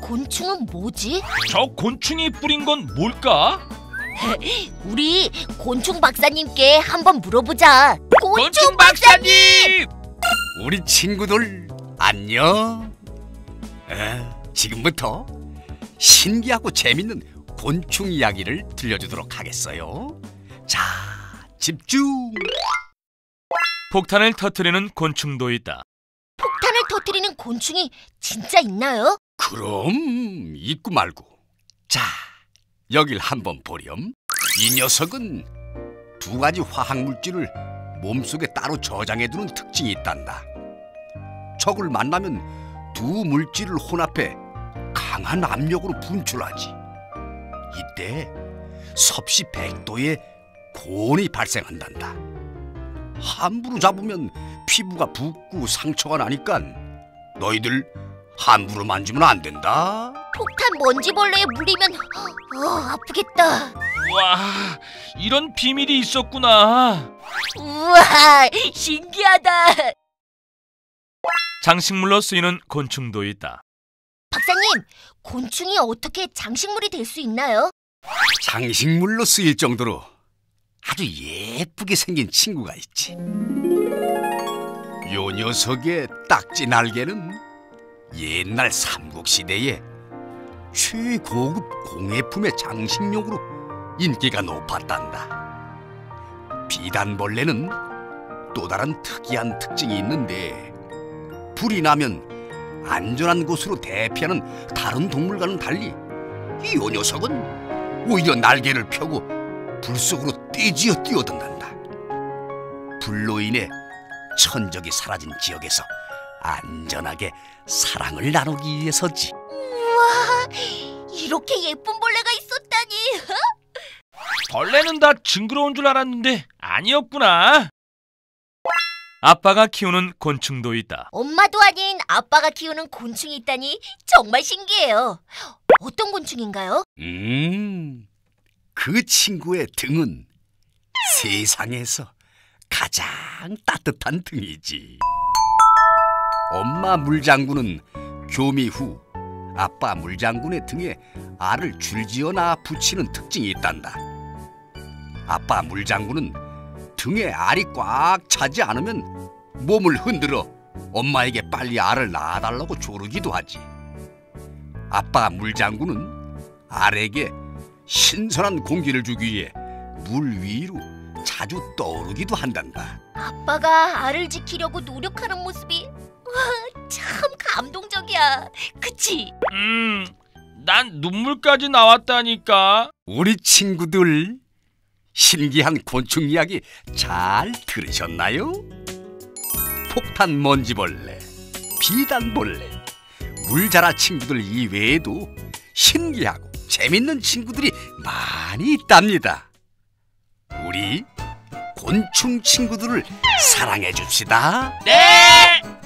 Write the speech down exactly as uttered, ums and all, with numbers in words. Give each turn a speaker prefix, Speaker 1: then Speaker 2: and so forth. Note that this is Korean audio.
Speaker 1: 곤충은 뭐지?
Speaker 2: 저 곤충이 뿌린 건 뭘까?
Speaker 1: 우리 곤충 박사님께 한번 물어보자. 곤충,
Speaker 2: 곤충 박사님!
Speaker 3: 우리 친구들 안녕. 에, 지금부터 신기하고 재밌는 곤충 이야기를 들려주도록 하겠어요. 자, 집중.
Speaker 2: 폭탄을 터뜨리는 곤충도 있다.
Speaker 1: 폭탄을 터뜨리는 곤충이 진짜 있나요?
Speaker 3: 그럼 있고 말고. 자, 여길 한번 보렴. 이 녀석은 두 가지 화학 물질을 몸속에 따로 저장해두는 특징이 있단다. 적을 만나면 두 물질을 혼합해 강한 압력으로 분출하지. 이때 섭씨 백 도의 고온이 발생한단다. 함부로 잡으면 피부가 붓고 상처가 나니까 너희들 함부로 만지면 안 된다.
Speaker 1: 폭탄 먼지벌레에 물리면 어, 아프겠다.
Speaker 2: 와, 이런 비밀이 있었구나.
Speaker 1: 우와, 신기하다.
Speaker 2: 장식물로 쓰이는 곤충도 있다.
Speaker 1: 박사님, 곤충이 어떻게 장식물이 될 수 있나요?
Speaker 3: 장식물로 쓰일 정도로 아주 예쁘게 생긴 친구가 있지. 요 녀석의 딱지 날개는 옛날 삼국시대에 최고급 공예품의 장식용으로 인기가 높았단다. 비단벌레는 또 다른 특이한 특징이 있는데, 불이 나면 안전한 곳으로 대피하는 다른 동물과는 달리 이 녀석은 오히려 날개를 펴고 불 속으로 떼지어 뛰어든단다. 불로 인해 천적이 사라진 지역에서 안전하게 사랑을 나누기 위해서지.
Speaker 1: 우와, 이렇게 예쁜 벌레가 있었다니.
Speaker 2: 벌레는 다 징그러운 줄 알았는데 아니었구나. 아빠가 키우는 곤충도 있다.
Speaker 1: 엄마도 아닌 아빠가 키우는 곤충이 있다니 정말 신기해요. 어떤 곤충인가요?
Speaker 3: 음, 그 친구의 등은 세상에서 가장 따뜻한 등이지. 엄마 물장군은 교미 후 아빠 물장군의 등에 알을 줄지어나 붙이는 특징이 있단다. 아빠 물장군은 등에 알이 꽉 차지 않으면 몸을 흔들어 엄마에게 빨리 알을 낳아달라고 조르기도 하지. 아빠 물장군은 알에게 신선한 공기를 주기 위해 물 위로 자주 떠오르기도 한단다.
Speaker 1: 아빠가 알을 지키려고 노력하는 모습이 와, 참 감동적이야. 그치?
Speaker 2: 음, 난 눈물까지 나왔다니까.
Speaker 3: 우리 친구들 신기한 곤충 이야기 잘 들으셨나요? 폭탄 먼지벌레, 비단벌레, 물자라 친구들 이외에도 신기하고 재밌는 친구들이 많이 있답니다. 우리 곤충 친구들을 사랑해 줍시다.
Speaker 2: 네!